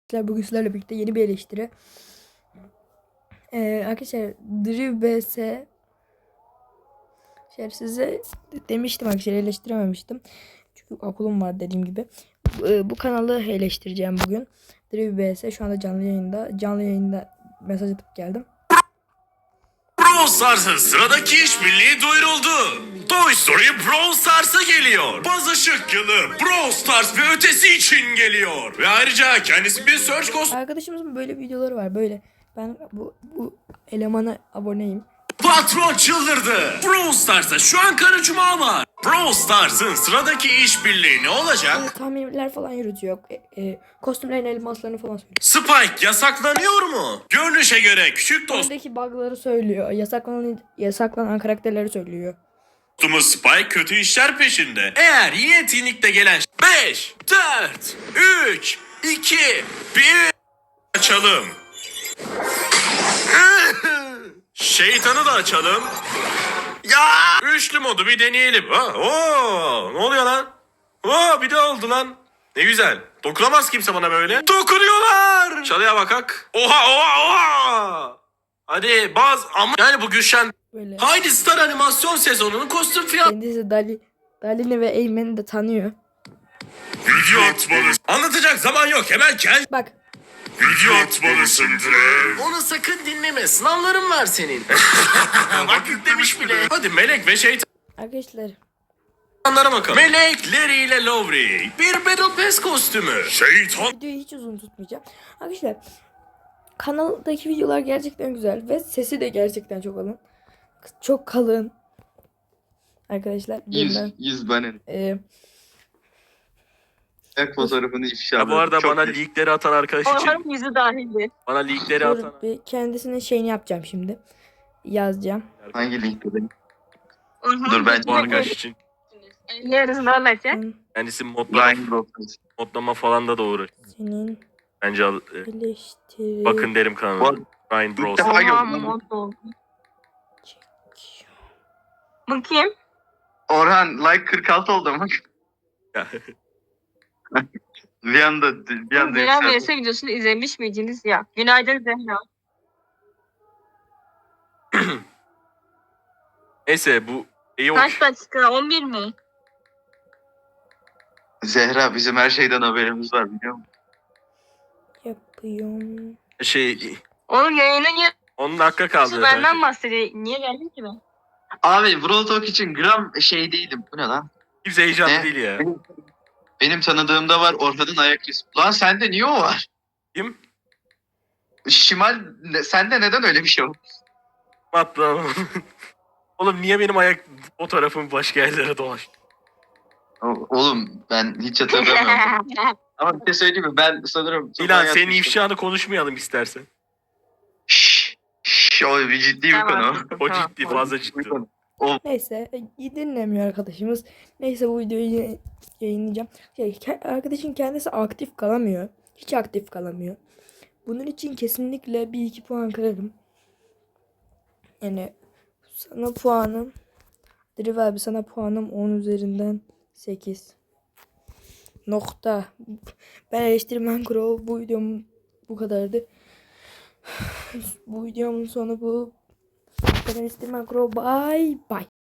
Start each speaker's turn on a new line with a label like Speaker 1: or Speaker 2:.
Speaker 1: Bugün sizlerle birlikte yeni bir eleştiri. Arkadaşlar Driv BS size demiştim arkadaşlar, eleştirememiştim. Çünkü okulum var dediğim gibi. Bu kanalı eleştireceğim bugün. Driv BS şu anda canlı yayında. Canlı yayında mesaj atıp geldim.
Speaker 2: Brawl Stars'ın sıradaki işbirliği duyuruldu. Toy Story Brawl Stars'a geliyor. Baz Işık yılı Brawl Stars ve ötesi için geliyor. Ve ayrıca kendisi bir Search kostümü
Speaker 1: Arkadaşımızın böyle videoları var böyle. Ben bu elemana aboneyim.
Speaker 2: patron çıldırdı. Brawl Stars'ta şu an Kara Cuma var. Brawl Stars'ın sıradaki işbirliği ne olacak?
Speaker 1: Tahminler falan yürütüyor. Kostümlerin elmaslarını falan söylüyor.
Speaker 2: Spike yasaklanıyor mu? Görünüşe göre küçük
Speaker 1: Oyundaki bug'ları söylüyor. Yasaklanan karakterleri söylüyor.
Speaker 2: dostumuz Spike kötü işler peşinde. Eğer yeni etkinlikte gelen 5, 4, 3, 2, 1 açalım. Şeytanı da açalım. Ya! Üçlü modu bir deneyelim. Ne oluyor lan? Bir de oldu lan. Ne güzel. Dokunamaz kimse bana böyle. Dokunuyorlar. Çalıya bakak. Oha. Hadi baz ama yani bu Gülşen.
Speaker 1: Böyle.
Speaker 2: Haydi Star animasyon sezonunun kostüm fiyatı.
Speaker 1: Kendisi Dalini ve Eymen'i de tanıyor.
Speaker 2: Video atmalısın. Anlatacak zaman yok, hemen gel.
Speaker 1: Bak.
Speaker 2: Video atmalısın Drev. Onu sakın dinleme, sınavların var senin. Bak yüklemiş bile. Hadi melek ve
Speaker 1: Arkadaşlar.
Speaker 2: şeytanlara bakalım. Melek, Larry ile Lowry. Bir Battle Pass kostümü. Şeytan.
Speaker 1: Videoyu hiç uzun tutmayacağım. Arkadaşlar. Kanaldaki videolar gerçekten güzel. Ve sesi de gerçekten çok kalın. Çok kalın. Arkadaşlar.
Speaker 3: Yüz benim. Fotoğrafını ifşa
Speaker 2: Ya bu arada bana linkleri atan arkadaş için.
Speaker 4: Orhan'ın yüzü dahildi.
Speaker 2: Bana linkleri atan.
Speaker 1: Bir kendisinin şeyini yapacağım şimdi. Yazacağım.
Speaker 3: hangi linkte benim?
Speaker 4: Orhan'ın
Speaker 3: Dur, ben
Speaker 2: Bu arkadaş için.
Speaker 4: yarısını alacak.
Speaker 2: Kendisi
Speaker 3: Ryan Brokers.
Speaker 2: modlama falan da doğru.
Speaker 1: Senin
Speaker 2: Bence
Speaker 1: eleştiri.
Speaker 2: bakın derim kanalına. Ryan Bros.
Speaker 3: defa
Speaker 4: Orhan
Speaker 3: gördüm.
Speaker 4: mod oldu. Bakayım.
Speaker 3: Orhan like 46 oldu ama. bir anda
Speaker 4: Gülen
Speaker 3: yükseldi.
Speaker 4: VS videosunu izlemiş miydiniz ya? Günaydın Zehra.
Speaker 2: Neyse bu iyi
Speaker 4: Kaç dakika? 11 mi?
Speaker 3: Zehra, bizim her şeyden haberimiz var biliyor musun?
Speaker 1: Yapıyorum.
Speaker 4: Oğlum yayının
Speaker 2: 10 dakika kaldı.
Speaker 4: yarısı benden bahsediyor. Niye geldin ki ben?
Speaker 3: Abi Brawl Talk için gram şey değilim. Bu ne lan?
Speaker 2: Kimse heyecanlı
Speaker 3: Ne?
Speaker 2: değil ya.
Speaker 3: Benim tanıdığımda var Orhan'ın ayak izi. Lan sende niye o var?
Speaker 2: Kim?
Speaker 3: Şimal sende neden öyle bir şey var?
Speaker 2: Atla. Oğlum niye benim ayak fotoğrafım başka yerlere dolaştı?
Speaker 3: Oğlum ben hiç hatırlamıyorum. Ama bir şey söyleyeyim mi? Ben sanırım...
Speaker 2: İlan senin ifşanı konuşmayalım istersen.
Speaker 3: Şşş, o bir ciddi bir
Speaker 4: Tamam.
Speaker 3: konu.
Speaker 2: O ciddi, fazla ciddi.
Speaker 1: Neyse dinlemiyor arkadaşımız. Neyse bu videoyu yayınlayacağım. Arkadaşın kendisi aktif kalamıyor. Hiç aktif kalamıyor. Bunun için kesinlikle bir iki puan kırarım. Yani sana puanım Driv abi, sana puanım 10 üzerinden 8. Nokta. Ben eleştirmen Crow. Bu videom bu kadardı. Bu videomun sonu bu. Ben eleştirmen Crow. Bye bye.